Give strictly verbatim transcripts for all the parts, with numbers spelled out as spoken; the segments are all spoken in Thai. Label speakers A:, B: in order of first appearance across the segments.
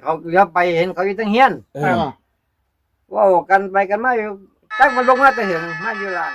A: เขาเลี้ยวไปเห็นเขาอยู่ตั้งเฮียน
B: เออ
A: ว่ากันไปกันมาอยู่จักมันลงมาแต่เห็นมาอยู่ล่าง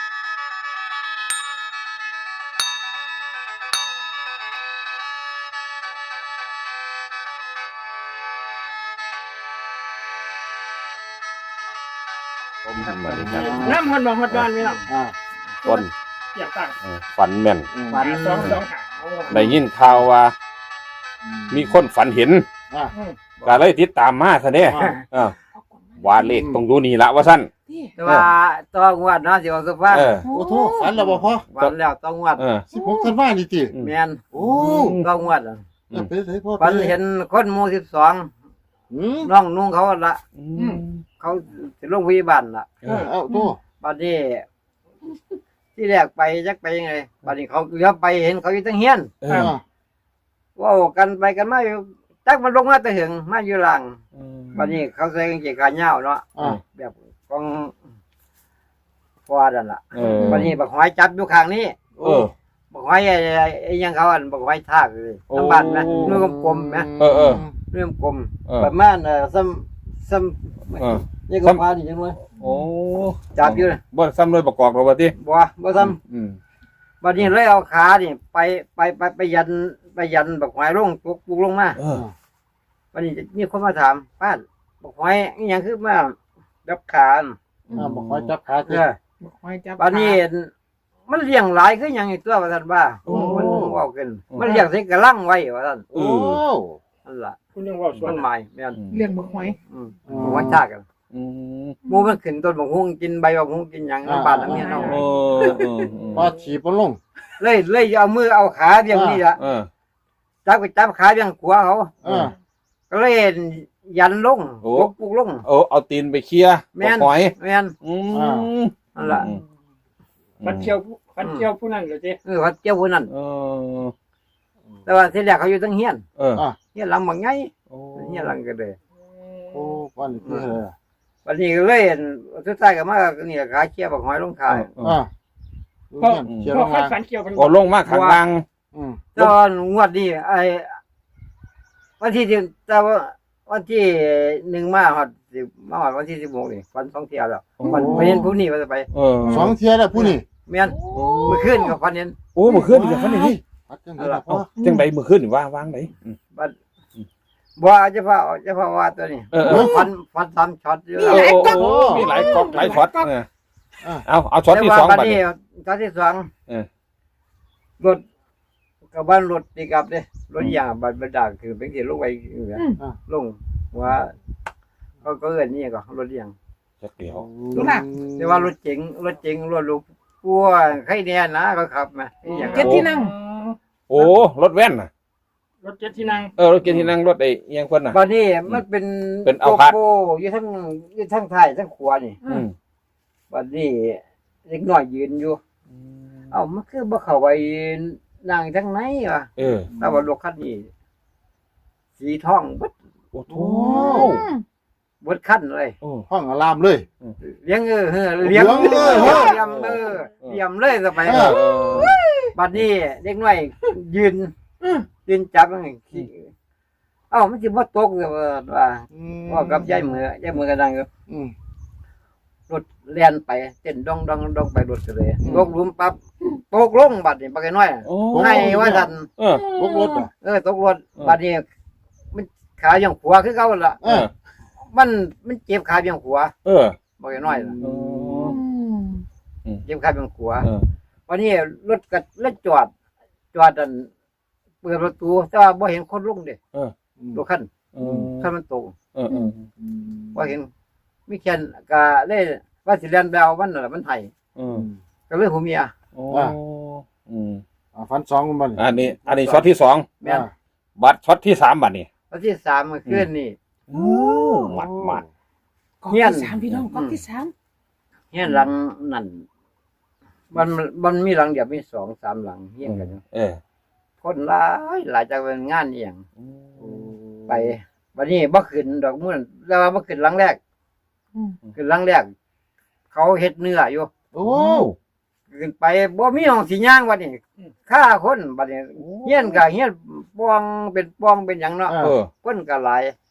A: น้ำฮอดบ่ฮอดบ้านนี่ล่ะ
C: อ่า
B: ต้น
D: อยากตั้ง
B: เออฝันแม่น
A: ฝัน
D: สองสองหา
B: ได้ยินข่าวว่า มีคนฝันเห็น
C: อ่า
B: ก็เลยติดตามมาซะเด้
C: อ่า
B: เออว่าเลขตรงอยู่นี่ละว่าซั่น
A: แต่ว่าต้องวดเนาะสิว่าคือว่า
B: เออ
C: โอ้โหฝันแล้วบ่พอ
A: วันแล้วต้องวด
B: เออ
C: สิบหกธันวาคมนี่ติ
A: แม่น
C: โอ้
A: ต้องวดอะ
C: แล้วไปไสพ่อ
A: ฝันเห็นคนหมู่สิบสอง
C: อืม
A: น้องนุ่งเขาละ
B: อืม
A: เขาสิลงพยาบาลล่ะ
B: เออ
C: เอ้าโต
A: บัดนี้ที่แรกไปจักไปยังไงบัดนี้เขาเลี้ยวไปเห็นเขาอยู่ตั้งเฮียน
B: เอ
C: อ่า
B: อ
A: ว่ากันไปกันมาอยู่จักมันลงมาแต่เห็นมาอยู่ล่างบัดนี้เขาใส่กางเกงขายาวเนาะ
C: อ่า
A: แบบของฟอร์ดันล่ะ
B: เออ
A: บัดนี้บักหอยจับอยู่ข้างนี้
B: เออ
A: บักหอยไอ้ไอ้ยังเขาอันบักหอยทากเลย
B: โอ้
A: ทั้งบ้านนะนุ่งกลมๆนะ
B: เออเออ
A: นุ่งกลม
B: เออ
A: ประมาณเอ่อซ้ำซ้
B: เออ
A: ำนี่ก็พาดิจังเลย
B: โอ้
A: จับอยู่นะ
B: บ่ซ้ำเลยประกอบหรอกว่าติ
A: บ่บ่ซ้ำ
B: อืม
A: บัดนี้เลยเอาขานี่ไปไปไปไปยันไปยันบักหอยลงปุกปุกลงมา
B: เออ
A: บัดนี้มีคนมาถามป้าบักหอยอีหยังคือมาดับขา
C: อ่าบ่คอยจับขา
A: เอ
C: ติ
A: อ
D: คอยจับ
A: บัดนี้มันเลี้ยงหลายคือหยังอีกตัวว่าท่านว่า
B: โอ้
A: มันเว้ากันมันเลี้ยงใส่กระลังไว้ว่าท่าน
B: เอ
C: โอ้
B: อ
A: นั่นล่ะ
D: คุณยังว่าสว
A: มัน นหมายแม่น
D: เลี้ยงบักหอย
A: อืมบักหอยทากกัน
B: อืม
A: หมู่มันขึ้นต้นบักฮุ้งกินใบบักฮุ้งกินหยังบ้านหลังนี้เนาะ
B: เออเออเออ
C: พอฉีบบ่ลง
A: เลยเลยเอามือเอาขาเบี่ยงนี่ล่ะ
B: เออ
A: จับไปจับขาเบี่ยงขวาเขา
C: อ่า
A: ก็เลยยันลง
B: โอ้
A: ปกปุกลง
B: เอาเอาตีนไปเคลียร์
A: แม่น
B: หอย
A: แม่น
B: อืม
A: นั่นล่ะ
D: ฟันเชียวฟันเชียวผู้นั้นเหรอเจ๊
A: เออเขาเจ้าผู้นั้น
B: เออ
A: แต่ว่าที่แรกเขาอยู่ตั้งเฮียน
B: เออ
A: เฮียนหลังบางไง
B: โอ้
A: เฮียนหลังก็เลย
C: โอ้วันนี้คือ
A: วันนี้ก็เลยเห็นสุดท้ายก็มานี่ขาเชี่ยบักหอยลงขาย
C: อ่า
D: เพราะ
C: เขียน
D: เพ
C: ล
D: ราะ
C: ง
D: ฟั
C: มาน
D: ฟันเชียวเป็น
B: โอ้ลงมาข้างล่าง
C: อืม
A: ตอนงวดนี้ไอ้วันที่สิบแต่ว่าวันที่หนึ่งมาหอดสิบมาหอดวันที่สิบหกนี่วันสองเที่ยวแล้ววันไปเห็นผู้นี้ว่าจะไป
B: เออ
C: สองเที่ยแล้วผู้นี้
A: แม่นเมื่อคืนกับฟันเห็น
B: โอ้เมื่อคืนนี่ฟันนี่
C: พัดจังได๋ล่ะพ่อ
B: จังไดเมื่อคืนนี่ว่าวางไหน
A: บัดบ่จะพาจะพาว่าตัวนี้
B: เออเออ
A: ฟันฟันสามช็อตอยู่
B: โอ้โอ้มีหลายก๊อกหลายช็อตเออเอาเอาช็อตที่สอง
A: บัด
B: บัด
A: นี้
B: นี้
A: ช็อตที่สอง
B: เออ
A: รถกับบ้านรถปีกอับเด้รถยางบัดบัดดาคือเป็นที่ลงไปเนี่ยลงว่าก็ก็เอิ้นนี่ก็รถยาง
B: จักเดียว
A: แต่ว่ารถเจ๋งรถเจ๋งรถลูกกลัวใครแน่นะก็ขับมาอีหยัง
D: เจ็ดที่นั่ง
B: โอ้รถแว่นน่ะ
D: รถเจ็ดที่นั่ง
B: เออรถเกียร์ที่นั่งรถไอ้เอียงเพิ่นน่ะ
A: บัดนี้มันเป็น
B: เป็นเอาพัด
A: โกโก้อยู่ทั้งอยู่ทั้งท้ายทั้งขวานี่
B: อืม
A: บัดนี้เล็กน้อยยืนอยู่เอ้ามันคือบ่เข้าไปนั่งทางไหนวะ
B: เออ
A: แต่ว่ารถคันนี้สีทองเบิด
B: โอ้โถ
A: เบิดคันเลย
B: โอ้
C: ห้องอารามเลย
A: เลี้ยงเออเออเลี้ยง
C: เลี้
A: เอย
C: ง
A: อ
C: เออ
A: เลี้ยงเออเลี้ยงเลยสมัย
C: เอ
A: นั้น
B: เออ
A: บัดนี้เด็กน้อยยืนยืนจับมันขี้เอ้ามันสิบ่ตกเลยว่าว่ากับยายมือยายมือก็ดังอยู่
C: อืม
A: รถเลียนไปเต้นดองดองดองไปรถก็เลยตกหลุมปั๊บตกลงบัดนี้ปากน้อย
B: โอ้
A: ให้ว่าซั่น
B: เออ
C: รถรถอ่ะ
A: เออตกรถบัดนี้มันขาอย่างขวาคือเก่าล่ะ
B: เออ
A: มันมันเจ็บขาอย่างขวา
B: เออ
A: ปากน้อยล่ะ
B: โอ้
A: เจ็บขาอย่างขวา
B: เออ
A: วันนี้รถก็รถจอด จอดอันเปิดประตูแต่ว่าบ่เห็นคนลงเด้รถคัน
B: เออ
A: คันมันตก
B: เออเออ
A: บ่เห็นมีแค่นก็เลยว่าสิเรียนไปเอามันนั่นล่ะมันไห้
B: เออ
A: ก็เลยหูเมีย
B: โอ้อืม
C: อ่าฟันสองมัน
B: อันนี้ อันนี้ช็อตที่สอง
A: แม่น
B: บัตรช็อตที่สามบัตรนี่
A: วันที่สามเมื่อคืนนี่
B: โอ้หมัดหมัด
D: กองที่สามพี่น้องกองที่สาม
A: เฮียนหลังนั่นมันมันมีหลังเดียวมีสองสามหลังเฮียนกันอยู่
B: เออ
A: คนหลายหลายจากเป็นงานอีหยังไปวันนี้บ่ขึ้นดอกมื้อแล้วว่าบ่ขึ้นหลังแรกขึ้นหลังแรกเขาเฮ็ดเนื้ออยู่
C: โอ้
A: ขึ้นไปบ่มีห้องสิย่างบัดนี้ฆ่าคนบัดนี้เฮียนก็เฮียนปองเป็นปองเป็นหยังเนาะ
B: เออ
A: คนก็หลาย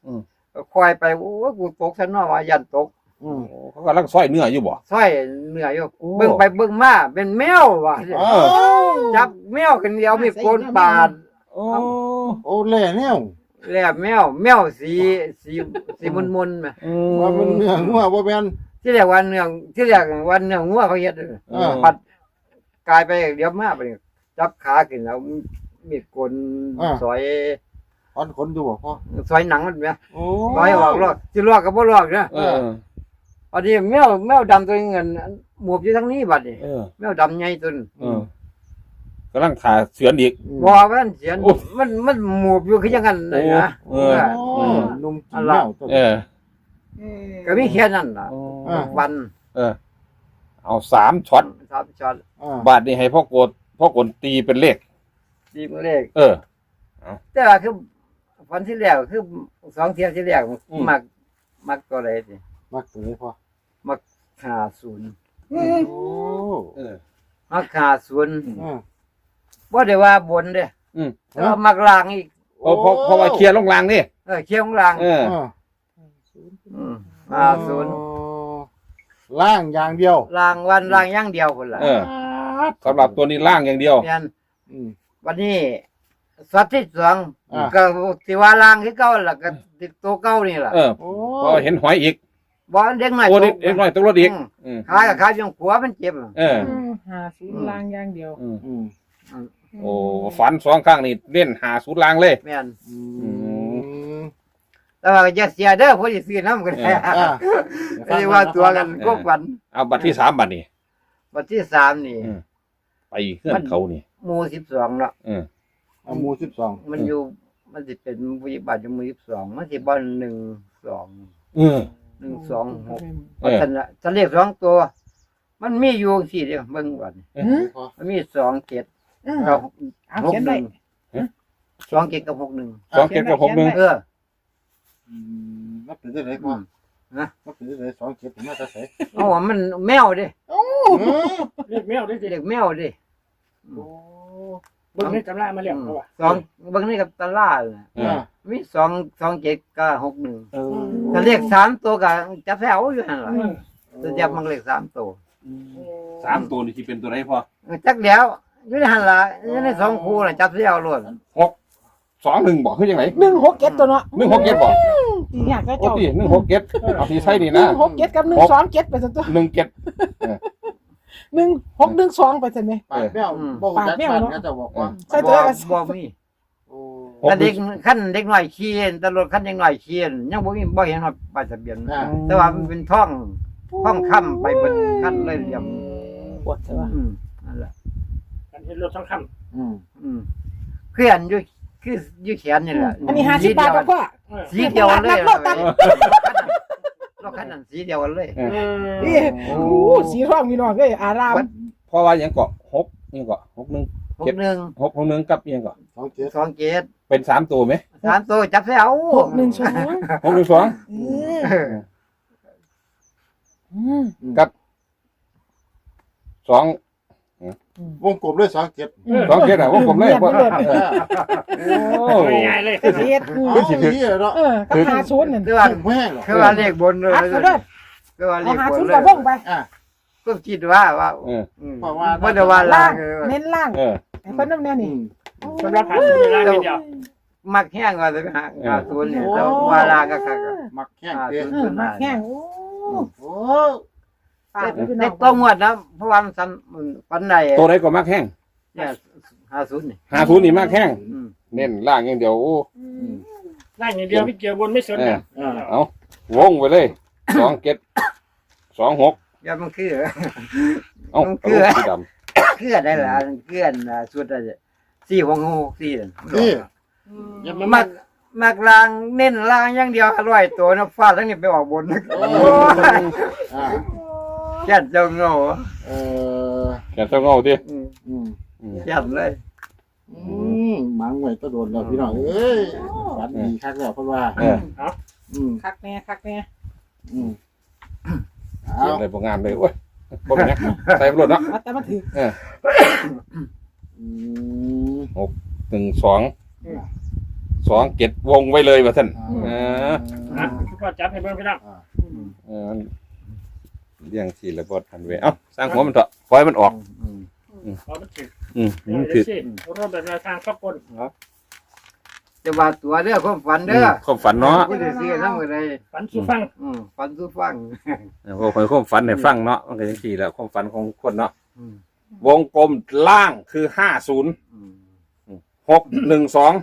B: อืม
A: ก็คอยไปโอ้ยกูตกซะเนาะว่ายันตก
C: อืม
B: โอ้เขากำลังซอยเนื้ออยู่บ่
A: ซอยเหนื่อยอยู่
B: โอ้
A: เบิ่งไปเบิ่งมาเป็นแมวว่ะ
B: เออ
A: จับแมวกันเดียวมีโกนปาด
B: โอ้
C: โอ้แล่แนว
A: แล้วแมวแมวสีสีสีมุนๆแหม
B: อืม
C: ว่าเป็นเนื้องัวบ่แม่น
A: ที่เรียกว่าเนื้อที่เรียกว่าเนื้องัวเขาเฮ็ดเด้อ
C: เออ
A: ปัดกลายไปเดี๋ยวมาไปจับขาขึ้นแล้วมีดโกนซอย
C: ถอนขนอยู่บ่พ่อ
A: ซอยหนังมันแหม
C: โอ้
A: ซอยออกลอกสิลอกก็บ่ลอกเด้อ
B: เออ
A: อันนี้แมวแมวดำตัวเงินหมวบอยู่ทางนี้บัดนี้
B: เออ
A: แมวดำใหญ่ตัวนึง
B: เออกำลังถ่าเสือนอีก
A: บ่ว่ามันเสียน
B: โอ้
A: มันมันหมวบอยู่คือจังนั้นเลยนะ
B: โอ้เออ
C: โอ้นุ่มกินแมวตัว
B: เออ
A: ก็มีแค่นั้นล่ะ
B: โอ้
C: อ่า
A: วัน
B: เออ เอาสามช็อต
A: สามช็อต
C: อ่า
B: บาทนี่ให้พ่อโกดพ่อกดตีเป็นเลข
A: ดีมือเลข
B: เออ
A: แต่ว่าคือวันที่แล้วคือสองเที่ยวที่แล้ว
B: อืม
A: มักมักตัวใดสิ
C: มักตัวนี้พ่อ
A: มักห้าศูนย์
C: โอ้
B: เออ
A: มักห้าศูนย์
C: อ่า
A: บ่ได้ว่าบนเด้
B: อืม
A: แต่ว่ามักล่างอีก
B: เพราะเพราะเพราะว่าเคลียร์ลงรางนี่
A: เออเคียงล่าง
B: เออ
C: อ่า
A: อืมห้าศูนย์
C: โอ้ล่างอย่างเดียว
A: ล่างวันล่างอย่างเดียวพุ่นล่ะ
B: เออสำหรับตัวนี้ล่างอย่างเดียว
A: แม่น
C: อืม
A: วันนี้สัตว์ที่สอง
C: อ่า
A: ก็สิว่าล่างคือเก่าล่ะก็ติดตัวเก่านี่ล่ะ
B: เออ
C: โอ้
B: พอเห็นหอยอีก
A: บ่เด็กน้อย
B: โอ้
A: ต
B: เด็ก
A: ก
B: เด็กน้อยตกรถอีก
A: อืม
B: อืม
A: ขากับขาจังหัวมันเจ็บ
B: เออ
E: หาศูนย์ลางอย่างเดียว
B: อืม
C: อืม
B: โอ้ฝันสองข้างนี่เล่นหาสูตรลางเลย
A: แม่น
C: อืม
A: แต่ว่าอย่าเสียเด้อผู้ที่ซื้อน้ำกัน
B: เออ
C: อ่า
A: ไม่ได้ว่าตัวกันก็วัน
B: เอาบัตรที่สามบัตรนี่
A: วันที่สามนี่
B: อืม ไปเพื่อนเขานี่
A: หมู่สิบสองเนาะ
B: เออ
C: เอาหมูสิบสอง
A: มันอยู่มันสิเป็นผู้ใหญ่บ้านอยู่หมู่สิบสองมันสิบ่หนึ่งสอง
B: เออ
A: หนึ่งสองหก
B: เออ
A: ฉันละฉันเรียกสองตัว มันมีอยู่สี่เดียวเบิ่งก่อน
C: พ่อ
A: มันมีสองเจ็ด
E: อืม
A: กับ
E: เอา
A: หก
E: เขียน
A: ห
E: ไว้
A: นึ่งสองเจ็ดกับหกหนึ่ง
B: สองเก็ดกับหกหนึ่ง
A: เออ
C: อืมนับถือได้ไหนพ่อ
A: นะ
C: นับถือได้ไหนสองเจ็ดผมน่าจะใส่
A: เอาว่ามันแมวดิ
D: เรียกแมวได้สิ
A: เรียกแมวดิ
C: โอ้
D: เบิ่งในตำรามาแล้วเขาว่า
A: สองเบิ่งนี่กับตาล่าเลย
B: เออ
A: มีสองสองเจ็ดกับหกหนึ่ง
C: เออ
A: ถ้าเลขสามตัวก็จะแถวอยู่นั่นแหละ
D: อืม
A: จะจับมันเลขสามตัว
B: สามตัวนี่ที่เป็นตัวไหนพอ
A: จักเดียวอยู่ในหันละอยู่ในสองคู่น่ะจับเสียวล้วน
B: หกสองหนึ่งบอกคือยังไง
E: หนึ่งหกเจ็ดตัวเนาะ
B: หนึ่งหกเก็ดบอก
E: ตีเนี่ยก็
B: โอ้
E: เจ้า
B: ตีหนึ่งหกเก็ดเอาที่ใช่นี่
E: หนึ่
B: นะ
E: งหกเจ็ดกับหนึ่งสองเจ็ดไปสักตัว
B: หนึ่งเก็ด
E: หนึ่งหกหนึ่งสองไปสักไหม
C: ปากแมวบอกจัดบ้านก็จะบอกว่า
E: ใส่ตัว
A: บ่
E: กัน
A: บ่มี
C: โอ้
A: แต่เด็กขั้นเด็กน้อยขี่ตำรวจขั้นเด็กน้อยขี่ยังบ่มีบ่เห็นว่าป้ายทะเบียน
C: อ่า
A: แต่ว่ามันเป็นท่องท่องค่ำไปเบิดขั้นเลยเหลี่ยม
E: ปวดใช่ปะ
A: อืมนั่นแหละ
D: กันเห็นรถสองค
C: อืม
A: อืมเคลื่อนอยู่คืออยู่แขนนี่แหละ
E: อันนี้ห้าสิบบาทกับพ่อ
D: ำเออ
A: สีเดียวกันเลย
E: นักโลดตัด
A: รถคันนั้นสีเดียวกันเลย
B: เออ
D: เออ
E: นี่โอ้สีทองมีน้องเลยอาราม
B: เพราะว่ายังเกาะหกยังเกาะหกหนึ่ง
A: หกหนึ่ง
B: หกหกหนึ่งกับยังเกาะ
C: สองเจ็ด
A: สองเจ็ด
B: เป็นสามตัวไหม
A: สามตัวจับเสียว
E: หกหนึ่งสอง
B: หกหนึ่งสอง
E: เอออืม
B: กับสอง
C: วงกลมด้วยสองเจ็ด
B: สองเก็ดอ่ะว่าผมเลยว่า โอ้
D: ง่ายๆเลย
E: เสียด
C: เป็นสิ่งที่เนาะ
E: เออกับหาศูนย์นั่น
A: คือว่า
C: แม่หรอ
A: คือว่าเลขบนเลย
E: อัดเขาเด้อ
A: คือว่าเล
E: เอา
A: ข
E: หา
A: บน
E: ศูนย์
A: เล
E: กับ
A: ยว
E: งไป
C: อ่า
A: ก็คิดว่าว่า
B: เออ
A: อืม
C: เพราะว่า
A: บ่ได้ว่าลา
E: ล่าง ง
A: เออ
E: เน้นล่าง
B: เออ
E: ไอ้คนน้ำแน่
C: อื
E: นี่
C: ม
D: สำหรับหาสูตรในร้านเดียว
A: มักแห้งว่าจะไปหาหาศูนย์เนี่ยแต่ว่าลาก็คักอะ
C: มักแข้ง
A: หา
C: เตี้ย
A: ศูนย์
E: เออมาแข้งโอ้
C: โอ้
E: ปากพี่น้
A: เด็
E: อก ง
A: ต้องงวดนะเพราะว่ามันซ้ำมันปันใด
B: ตัวไหนก็มากแห้ง
A: เนี่ยหาศูนย์นี่
B: หาศูนย์นี่มากแห้ง
A: อืม
B: เน้นล่างอย่างเดียวโอ้
D: ร่างอย่างเดียวไม่เกี่ยวบนไม่สนกัน
C: อ่า
B: เอาวงไปเลยสองเก็ดสองหก
A: อย่ามันคือ
B: เอ้า
A: มัน
B: ต
A: คือ
B: ลกสีด
A: เคลื่อนได้ละเคลื่อนอ่ะสุดอะไรสี่หกหกสี่นั่น
C: นี่
D: อย่ามา
A: มั
D: มั
A: กมักลางเน้นลางอย่างเดียวอร่อยตัวนะฟาดทั้งนี้ไปออกบนนะ
C: โอ้อ่า
A: แค่เจ้าเงา
C: เออ
B: ำแกเจ้าเงาดิ
A: อืม
C: อืม
B: อืม
A: แค่เลย
C: อืมมังไว้ตะโดนแล้วพี่น้องเอ้ยฝันดีคักแล้วเพราะว่า
B: เออ
C: อืม
E: คักแน่คักแน่
C: อืม
B: เสีย
C: เอา
B: งอะไรบางงานเลยโอ้ยบ่เป็นหยังใส่ไปรถเนาะ
E: มาแต่มาถือ
C: อืม
B: หนึ่งสองสองเจ็ดวงไว้เลยว่าท่านเออ
D: นะทุกคนจับให้เบิ่งพี่น้อง
C: อ่า
B: เออเลี้ยงทีละบททันเวเอ้าสร้างหัวมันเถอะปล่อยมันออก
A: อืม
D: เอามันถึง
B: อืม
D: เดี๋ยว
B: มัน
D: เดี๋
B: ถื
D: ย
B: อ
D: วสิรถแบบแนวทางขับคน
A: จะว่าตัวเด้อความฝัน
B: อื
A: เด้อ
B: มความฝันเนาะ
A: ผู้ใดสินำก็ได้
D: ฝันสู่ฟัง
A: อืมฝันสู่ฟัง
B: เออพอคอยความฝันให้ฟังเนาะมันก็จังซี่แหละความฝันของคนเนาะ
A: อืม
B: วงกลมล่างคือห้าศูนย์
A: อืม
B: หกหนึ่งสอง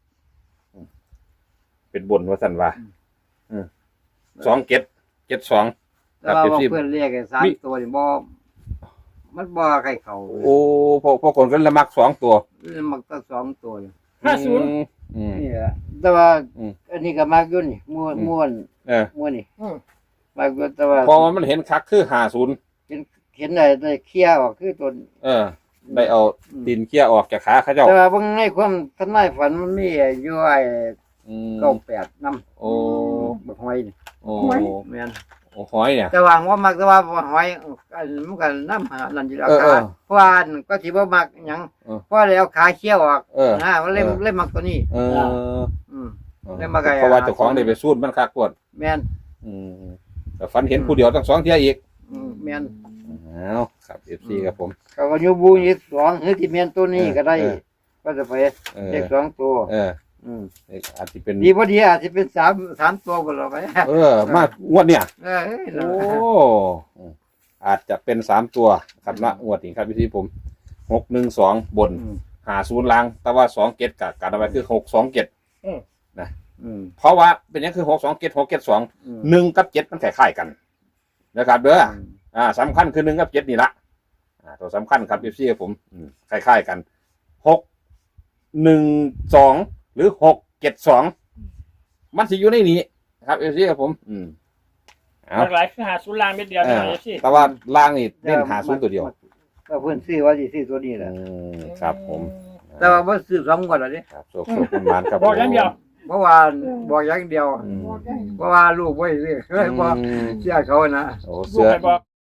B: เป็นบนว่าสันว่าสองเจ็ดเจ็ดสอง
A: แต่ว่าเพื่อนเรียกไอ้สามตัวนี่บ่มันบ่ใครเขา
B: โอ้พอพอคนก็ละมักสองตัว
A: มันก็สองตัวอยู่
D: ห้าศูนย์
B: อืม
A: นี่แหละแต่ว่า
B: อืม
A: อันนี้ก็มากอยู่นี่ม่วน
B: อืม
A: ม่วน
B: เออ
A: ม่วนนี่
D: อืม
A: มากอยู่แต่ว่า
B: พอมันเห็นคักคือห้าศูนย์
A: เห็นเห็นได้ได้เคลียร์ออกคือตัว
B: เออ ได้เอาดินเคี่ยออกจากขาเขาเจ้า
A: แต่ว่าเบิ่งในความทำนายฝันมันมีอยู่ไอ้
B: อืม
A: เก้าแปดนำ
B: โอ้
A: บักหอยนี่
B: โอ้
A: แม่น
B: โอ้หอยเนี่ย
A: แต่ว่าว่ามักแต่ว่าบักหอยอันมันก็นำหานั่นอยู่แล้ว
B: เออเอ
A: ขา
B: อ
A: เพราะว่าอันก็สิบ่มักหยัง
B: เออ
A: เพราะแล้วขาเคี้ยวออก
B: เออ
A: นะมันเล่ม
B: เออ
A: เล่มมักตัวนี้
B: เออ
A: อืม ได้มาไกล
B: เพราะว่าเจ้าของได้ไปสูดมันคักปวด
A: แม่น
B: อืมแต่ฝันเห็นผู้เดียวตั้งสองเที่ยอีก
A: อืมแม่น
B: อ้าวครับเอฟซีครับผม
A: เขาก็อยู่บูอีกสองหรือที่แม่นตัวนี้ก็ได้
B: เออ
A: ก็จะไป
B: เออ
A: เลขสองตัว
B: เออ
A: อืม
B: อาจจะเป็น
A: ดีพอดีอาจจะเป็นสามสามตัวก็เราไป
B: เออ มากงวดเนี่ย
A: เออเอ้ย
B: โอ้อาจจะเป็นสามตัวครับนะงวดนี้ครับพี่ที่ผมหกหนึ่งสองบน
A: อืม
B: หาศูนย์ล่าง แต่ว่าสองเกตกับการเอาไว้คือหกสองเกต
A: อืม
B: เพราะว่าเป็นอยังคือหกสองเกตหกเกตสอง
A: อืม
B: หนึ่งกับเจ็ดมันคล้ายๆกัน นะครับเด้ออ่าสำคัญคือหนึ่งกับเจ็ดนี่ละอ่าตัวสำคัญครับพี่ที่ผมอืมคล้ายๆกันหกหนึ่งสองหรือหกเจ็ดสองมันสิอยู่ในนี้ครับพี่ที่ผม อืมเอา
D: หลากหลายคือหาศูนย์ลางเม็ดเดียว
B: เอ
D: พี่
B: อ
D: น้องเอฟซี
B: แต่ว่าล่างนี่เล่นหาศูนย์ตัวเดียว
A: ก็เพิ่นซื้อว่าสิซื้อตัวนี้แหละ
B: อืมครับผม
A: แต่ว่าบ่ซื้อสองงวดแล้วนี่
B: ครับโชคโชคมันมานครับ
D: บอกอย่างเดียว
A: เพราะว่าบอกอย่างเดียว
B: อืม
A: เพราะว่าลูกบ่ซื้อเลยบ่
B: อืม
A: เชื่อเขานะ
B: โอ้
D: ลู
B: เสื
D: ก
B: อ
D: ไปบอก